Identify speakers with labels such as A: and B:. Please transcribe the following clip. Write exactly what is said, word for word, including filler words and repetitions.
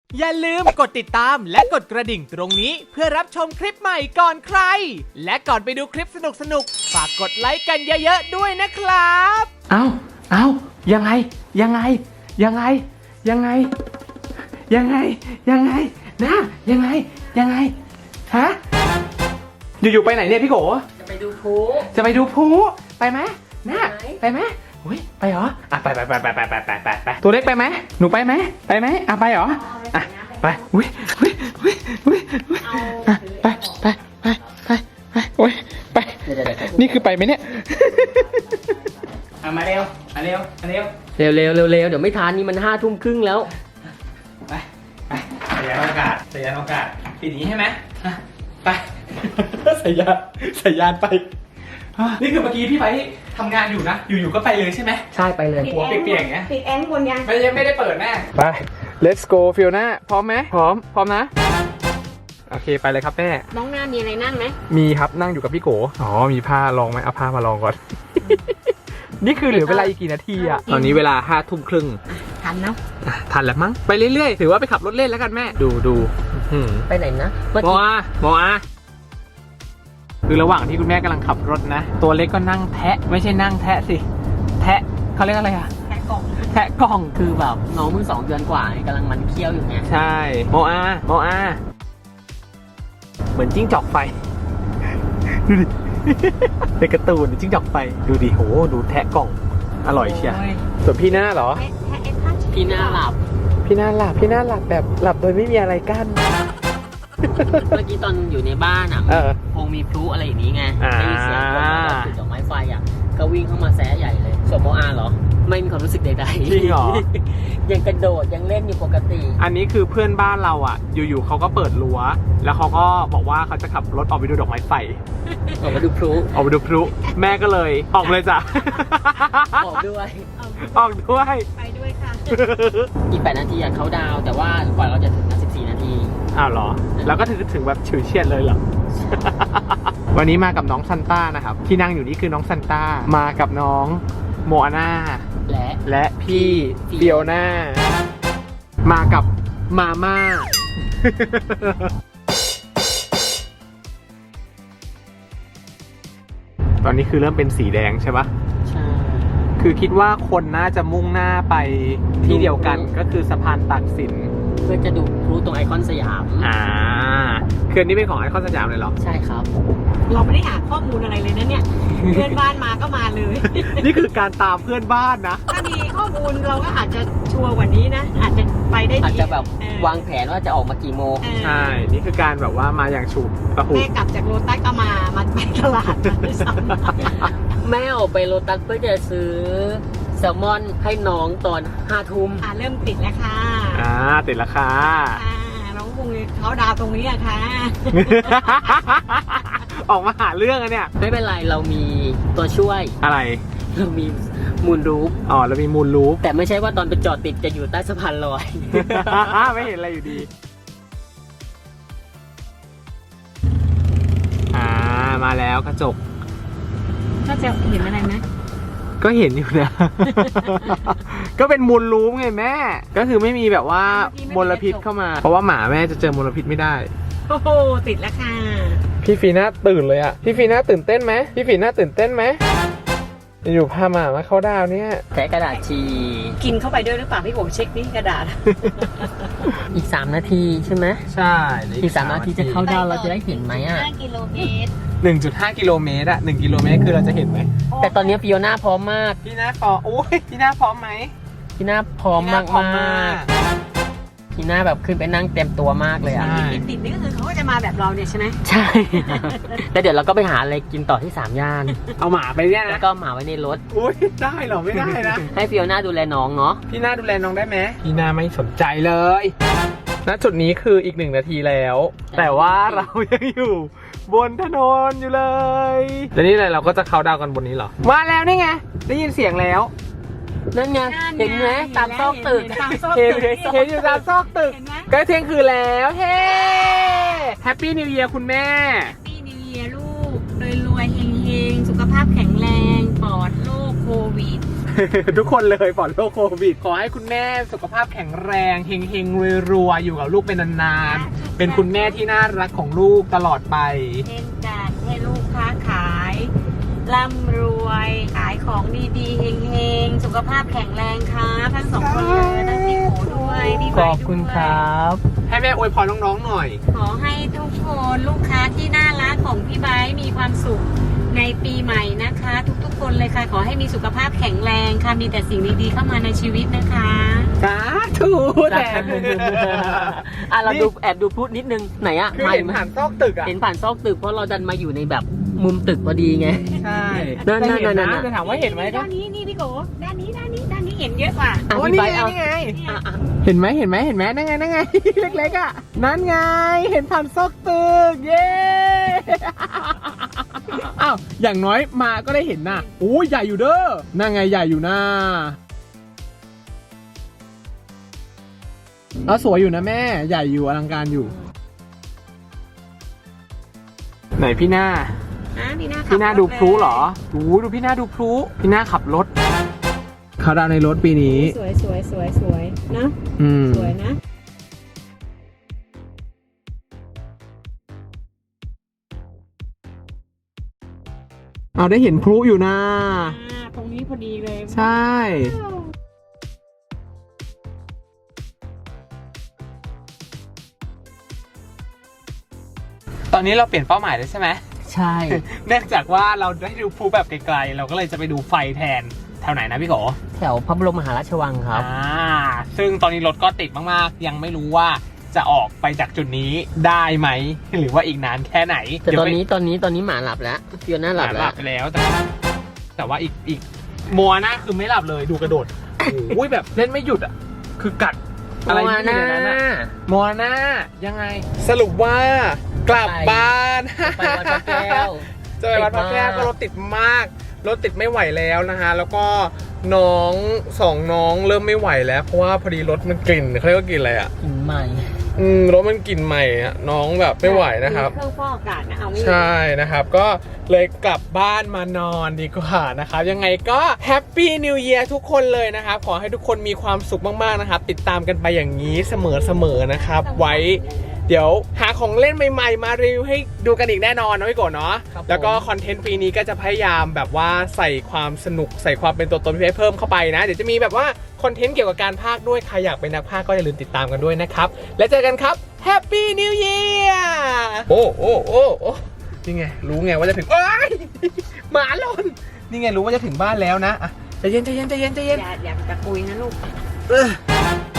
A: อย่าลืมกดติดตามและกดกระดิ่งตรงนี้เพื่อรับชมคลิปใหม่ก่อนใครและก่อนไปดูคลิปสนุกๆฝากกดไลค์กันเยอะๆด้วยนะครับ
B: เอาเอายังไงยังไงยังไงยังไงยังไงยังไงนะยังไงยังไงฮะอยู่ๆไปไหนเนี่ยพี่โก
C: จะไปดูพลุ
B: จะไปดูพลุไปไหมนะไปไหมอุ้ยไปเหรออ่ะไปไปไปไปไปไปไปไปไปตัวเล็กไปไหมหนูไปไหมไปไหมอ่ะไปเหรออ่ะไปอุ้ยอุ้ยอุ้ยอุ้ยอุ้ยอ่ะไปไปไปไปไปโอ้ยไปนี่คือไปไหมเนี่ยเอามาเร็วมาเร็วมาเร็ว
C: เร็วเร็วเร็วเร็วเดี๋ยวไม่ทันนี่มันห้าทุ่มครึ่งแล้ว
B: ไปไปสยานอากาศสยานอากาศปีนี้ใช่ไหมไปสยานสยานไปนี่คือเมื่อกี้พี่ไปทำงานอยู่นะอยู่ๆก็ไปเลยใช่ไหม
C: ใช่ไปเลย
B: หัวเปียกๆอย่างเงี้ย
D: ปิดแอร์บนยัง
B: ไม่ยังไม่ได้เปิดแน่ไป let's go ฟิลน่าพร้อมไหมพร้อมพร้อมนะโอเคไปเลยครับแม่
D: น้องหน้ามีอะไรนั่งไหม
B: มีครับนั่งอยู่กับพี่โกอ๋อมีผ้าลองไหมเอาผ้ามาลองก่อน นี่คือเหลือเวลาอีกกี่นาทีอะตอนนี้เวลาห้าทุ่มครึ่ง
D: ทันนะ
B: ทันแล้วมั้งไปเรื่อยๆถือว่าไปขับรถเล่นแล้วกันแม่ดูดู
C: ไปไหนนะ
B: โมอาโมอาคือระหว่างที่คุณแม่กำลังขับรถนะตัวเล็กก็นั่งแทะไม่ใช่นั่งแทะสิแทะเขาเรียกอะไรอะ
D: แทะกล่อง
B: แทะกล่อง
C: คือแบบน้องเพิ่งสองเดือนกว่ากำลังมันเคี้ยวอยู่ไง
B: ใช่โมอาโมอาเหมือนจิ้งจอกไฟดูดิในการ์ตูนจิ้งจอกไฟดูดิโหดูแทะกล่องอร่อยเชียวส่วนพี่หน้าเหรอ
C: พี่หน้าหลับ
B: พี่หน้าหลับพี่หน้าหลับแบบหลับโดยไม่มีอะไรกั้น
C: เมื่อกี้ตอนอยู่ในบ้านอ่ะคงมีพลุอะไรอย่างนี้ไงได้ยินเสียงคนแบบจุดดอกไม้ไฟอ่ะก็วิ่งเข้ามาแซะใหญ่เลยส่วนโมอาเหรอไม่มีความรู้สึกใดๆ
B: จริงเหรอ
C: ยังกระโดดยังเล่นอยู่ปกติ
B: อันนี้คือเพื่อนบ้านเราอ่ะอยู่ๆเขาก็เปิดรั้วแล้วเขาก็บอกว่าเขาจะขับรถออกไปดูดอกไม้ไฟ
C: ออกมาดูพลุ
B: ออกไปดูพลุแม่ก็เลยออกเลยจ้ะ
C: ออกด้วย
B: ออกด้วย
D: ไปด้วยค่ะ
C: อีกแปดนาทีอ่ะเขาดาวแต่ว่ากว่าเราจะถึงนะสิบสี่นาที
B: อ้าวเหรอแล้วก็ถึงถึงแบบฉิวเฉียดเลยเหรอ วันนี้มากับน้องซันต้านะครับที่นั่งอยู่นี่คือน้องซันต้ามากับน้องโมอาน่า
C: และ
B: และพี่เปียวน่ามากับมาม่า ตอนนี้คือเริ่มเป็นสีแดงใช่ปะ
C: ใช่
B: คือคิดว่าคนน่าจะมุ่งหน้าไปที่เดียวกันก็คือสะพานตากสิน
C: เพื่อจะดูพลุตรงไอคอนสยาม
B: อ่าคือนี้เป็นของไอคอนสยามเลยเหรอ
C: ใช่ครับ
D: เราไม่ได้หาข้อมูลอะไรเลยนะเนี่ยเพื่อนบ้านมาก็มาเลย
B: นี่คือการตามเพื่อนบ้านนะ
D: ถ้ามีข้อมูลเราก็อาจจะชัวร์กว่านี้นะอาจจะไปได้ดี
C: อาจจะแบบวางแผนว่าจะออกมากี่โมง
B: ใช่นี่คือการแบบว่ามาอย่างฉุกกระหุก
D: แม่กลับจากโรตัสก็มามาไปตลาดด้วยซ้ำ
C: แม่ออกไปโรตัสเพื่อจะซื้อแซลมอนให้น้องตอนห้าทุ่ม
D: อ่าเริ่มติดแล้วค่ะ
B: อ่าติดแล้วค่ะ
D: อ่าน้องคงเขาดาวตรงนี้อะค่ะ
B: ออกมาหาเรื่องอะเนี่ย
C: ไม่เป็นไรเรามีตัวช่วย
B: อะไร
C: เรามีมูลรูป
B: อ๋อเรามีมูลรูป
C: แต่ไม่ใช่ว่าตอนไปจอดติดจะอยู่ใต้สะพานลอย
B: ไม่เห็นอะไรอยู่ดีอ่ามาแล้วกระจก
D: ก็จะเห็นอะไรไหม
B: ก็เห็นอยู่นะ ก็เป็นมูลรูปไงแม่ก็คือไม่มีแบบว่ามลพิษเข้ามาเพราะว่าหมาแม่จะเจอมลพิษไม่ได้
D: โอ้โหติดแล้วค่ะ
B: พี่ฟีน่าตื่นเลยอะพี่ฟีน่าตื่นเต้นไหมพี่ฟีน่าตื่นเต้นไหมอยู่พาหมามาเข้าดาวเนี่ย
C: แกะกระดาษชี
D: กินเข้าไปด้วยหรือเปล่าพี่ผมเช็คนี่กระดาษ
C: อีกสามนาทีใช่ไหม
B: ใช่
C: อีกสามนาทีจะเข้าดาวเราจะได้เห็นไหมอ่ะ
D: ห้ากิโลเมตร
B: หนึ่งจุดห้ากิโลเมตรอะหนึ่งกิโลเมตรคือเราจะเห็นไหม
C: แต่ตอนนี้ฟิโอน่าพร้อมมาก
B: พี่น่าพร้อมโอ้ยพี่น่าพร้อมไหม
C: พี่น่าพร้อมมากมากพี่น่าแบบขึ้นไปนั่งเต็มตัวมากเลยอ่ะ
D: ติดๆนี่ก็คือเขาก็จะมาแบบเราเนี่ยใช่ไหม
C: ใช่ แล้วเดี๋ยวเราก็ไปหาอะไรกินต่อที่สามย่าน
B: เอาหมาไปเนี่ยนะ
C: แล้วก็หมาไว้ในรถ
B: อุ้ยได้หรอไม่ได้นะ
C: ให้ฟิโอน่าดูแลน้องเนาะ
B: พี่น่าดูแลน้องได้ไหมพี่น่าไม่สนใจเลยณจุดนี้คืออีกหนึ่งนาทีแล้วแต่ว่าเรายังอยู่บนถนนอยู่เลยแล้วนี่อะไรเราก็จะเข้าดาวกันบนนี้เหรอมาแล้วนี่ไงได้ยินเสียงแล้ว
C: นั่นไงเห็นไหมตามซอกตึก
B: เห็นเห็นอยู่ตามซอกตึกใกล้เที่ยงคืนแล้วเฮ้แฮปปี้นิวเยียร์คุณแม่
D: แฮปปี้นิวเยียร์ลูกรวยรวยเฮงเฮงสุขภาพแข็งแรงปลอดโรคโควิด
B: ทุกคนเลยปลอดโรคโควิด ขอให้คุณแม่สุขภาพแข็งแรงเฮงเฮงรวยรวยๆอยู่กับลูกเป็นนานๆเป็นคุณแม่ที่น่ารักของลูกตลอดไป
D: เช่นกันให้ลูกค้าขายร่ำรวยขายของดีๆเฮงๆสุขภาพแข็งแรงครับทั้งสองคนเลยทั้งพี่โขด้วยพี่ใบ
C: ขอบคุณครับ
B: ให้แม่อวยพรน้องๆหน่อย
D: ขอให้ทุกคนลูกค้าที่น่ารักของพี่ไบร์ทมีความสุขในปีใหม่นะคะ ทุกๆคนเลยค่ะขอให้มีสุขภาพแข็งแรงค่ะมีแต่สิ่งดีๆเข้ามาในชีวิตนะคะ
B: สาธุแต่
C: อ่ะเราดูแอบดูพูดนิดนึงไหนอ่ะ
B: คือ
C: ไม่
B: เห็นผ่านซอกตึกอ่ะ
C: เห็นผ่านซอกตึกเพราะเราดันมาอยู่ในแบบมุมตึกพอดีไง
B: ใช่
C: นั่นๆๆๆ
B: จะเห็นะจะถามว่าเห็นไหมก็
D: ด้านนี้นี่พี่โกด้านนี้ด้านนี้ด้านนี้เห็นเยอะกว่า
C: อ่ะ
B: โอ้
C: พี่
B: นี่
C: ไบ
B: ไง
C: ร์ทเอา
B: นี่ไง
C: อ่ะอ่ะ
B: เห็นไหมเห็นไหมเห็นไหมนั่นไงนั่นไง เล็กๆอ่ะนั่นไงเห็นผ่านซอกตึกเย้ อ้าวอย่างน้อยมาก็ได้เห็นน่ะโอ้ยใหญ่อยู่เด้อนั่นไงใหญ่อยู่นะเอาสวยอยู่นะแม่ใหญ่อยู่อลังการอยู่ ไหนพี่หน้า
D: อ่ะพี่หน้าขับ
B: พี่หน้าดู
D: รถ
B: พลุเหรอโอ้ดูพี่หน้าดูพลุพี่หน้าขับรถเขาดาวน์ในรถปีนี้
D: สวยสวยสวยสวยนะ
B: อืม
D: สวยนะ
B: เอาได้เห็นพลุอยู่นะ
D: อ่าตรงนี้พอดีเลย
B: ใช่ ตอนนี้เราเปลี่ยนเป้าหมายแล้วใช่ไหม
C: ใช่
B: เนื่องจากว่าเราได้ดูพลุแบบไกลๆเราก็เลยจะไปดูไฟแทนแถวไหนนะพี่โก
C: แถวพระบรมมหาราชวังครับ
B: อ่าซึ่งตอนนี้รถก็ติดมากๆ ยังไม่รู้ว่าจะออกไปจากจุดนี้ได้ไหม หรือว่าอีกนานแค่ไหน
C: แต่ตอนนี้ตอนนี้ตอนนี้หมาหลับแล้วฟิโอน่าห
B: ห
C: ลั
B: ลั
C: บบ แล้ว
B: ไปแล้วแต่ว่าแต่ว่าอีกอีกมัวหน้าคือไม่หลับเลยดูกระโดดโอ้ยแบบเล่นไม่หยุดอ่ะคือกัดอะไร
C: โม
B: ที่อยู่
C: นา
B: ในนั้นอะมัวหน้ายังไง สรุปว่ากลับบ้าน
C: ไปวัดพระแก้ว
B: จะไปวัดพระแก้วก็รถติดมาก รถติดไม่ไหวแล้วนะฮะ แล้วก็น้องสองน้องเริ่มไม่ไหวแล้ว เพราะว่าพอดีรถมันกลิ่นเขาเรียกว่ากลิ่นอะไรอ่ะ
C: กินใหม่
B: อืมรถมันกลิ่นใหม่อ่ะน้องแบบไม่ไหวนะครับ
D: มีเครื่องฟอกอากาศนะเอาไม่อยู่
B: ใช่นะครับ ก็เลยกลับบ้านมานอนดีกว่านะครับ ยังไงก็แฮปปี้นิวเยียร์ทุกคนเลยนะครับ ขอให้ทุกคนมีความสุขมากๆนะครับ ติดตามกันไปอย่างนี้เสมอๆนะครับ ไว้เดี๋ยวหาของเล่นใหม่ๆ มารีวิวให้ดูกันอีกแน่นอนนะพี่โกเนาะ
C: ครับผม
B: แล้วก็คอนเทนต์ปีนี้ก็จะพยายามแบบว่าใส่ความสนุกใส่ความเป็นตัวตนพี่ให้เพิ่มเข้าไปนะ เดี๋ยวจะมีแบบว่าคอนเทนต์เกี่ยวกับการพากย์ด้วยใครอยากเป็นนักพากย์ก็อย่าลืมติดตามกันด้วยนะครับแล้วเจอกันครับแฮปปี้นิวเยียร์โอ้โอ้โอ้โอ้นี่ไงรู้ไงว่าจะถึงเอ้ยหมาหล่นนี่ไงรู้ว่าจะถึงบ้านแล้วนะอ่ะใจเย็นใจเย็นใจเย็นใจเย็น
D: อย่าอย่าตะกุยนะลูก
B: เออ